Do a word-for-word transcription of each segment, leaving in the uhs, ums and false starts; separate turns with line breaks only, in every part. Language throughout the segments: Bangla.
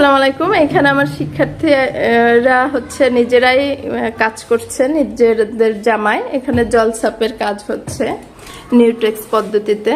আসসালামু আলাইকুম। এখানে আমার শিক্ষার্থীরা হচ্ছে নিজেরাই কাজ করছে, নিজেদের জামায়। এখানে জলছাপের কাজ হচ্ছে নিউটেক্স পদ্ধতিতে।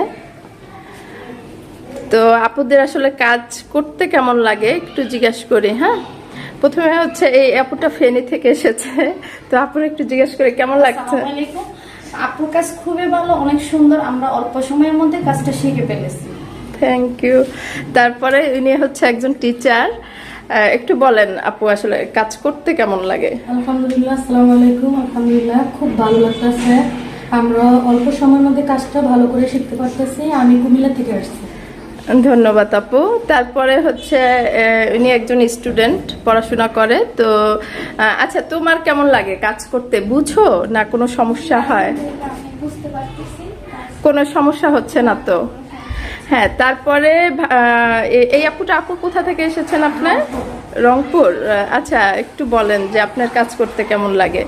তো আপুদের আসলে কাজ করতে কেমন লাগে একটু জিজ্ঞাসা করি। হ্যাঁ, প্রথমে হচ্ছে এই আপুটা ফেনী থেকে এসেছে, তো আপুর একটু জিজ্ঞাসা করি কেমন লাগছে।
আপুর কাজ খুবই ভালো, অনেক সুন্দর। আমরা অল্প সময়ের মধ্যে কাজটা শিখে ফেলেছি।
Thank you. তারপরে উনি হচ্ছে একজন টিচার। একটু বলেন আপু আসলে কাজ করতে কেমন লাগে।
আলহামদুলিল্লাহ, আসসালামু আলাইকুম। আলহামদুলিল্লাহ, খুব ভালো লাগতেছে। আমরা অল্প সময়ের মধ্যে কাজটা ভালো করে শিখতে পারতেছি। আমি কুমিল্লা থেকে আসছি।
ধন্যবাদ আপু। তারপরে হচ্ছে উনি একজন স্টুডেন্ট, পড়াশোনা করে। তো আচ্ছা, তোমার কেমন লাগে কাজ করতে? বুঝো না কোনো সমস্যা হয়?
বুঝতে পারতেছি,
কোনো সমস্যা হচ্ছে না তো? হ্যাঁ। তারপরে এই আপুটা, আপু কোথা থেকে এসেছেন আপনার? রংপুর। আচ্ছা, একটু বলেন যে আপনার কাজ করতে কেমন লাগে।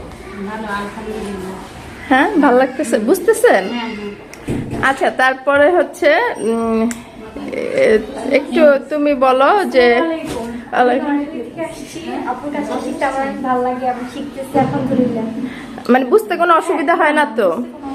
হ্যাঁ, ভালো লাগতেছে, বুঝতেছেন? আচ্ছা, তারপরে হচ্ছে একটু তুমি বলো যে মানে বুঝতে কোনো অসুবিধা হয় না তো?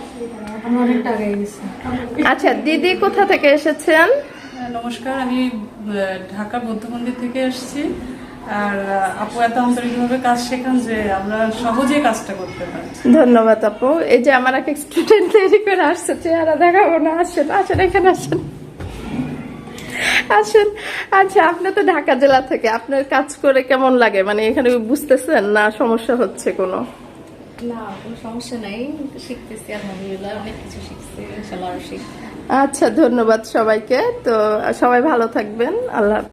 আচ্ছা, দিদি কোথা থেকে এসেছেন?
নমস্কার, আমি ঢাকা বৌদ্ধ মন্দির থেকে এসেছি। আর আপু এত আন্তরিকভাবে কাজ শেখান যে আমরা সহজেই কাজটা করতে পারি।
ধন্যবাদ আপু। এই যে আমার এক স্টুডেন্ট তৈরি করে আসছে, চেহারা দেখাবো না। আসেন আসেন, এখানে আসেন আসেন। আচ্ছা, আপনি তো ঢাকা জেলা থেকে, আপনার কাজ করে কেমন লাগে? মানে এখানে বুঝতেছেন না সমস্যা হচ্ছে কোনো?
না, কোনো সমস্যা নাই, শিখতেছি আলহামদুলিল্লাহ, অনেক কিছু শিখছি, ইনশাআল্লাহ আরো শিখব।
আচ্ছা, ধন্যবাদ সবাইকে। তো সবাই ভালো থাকবেন। আল্লাহ।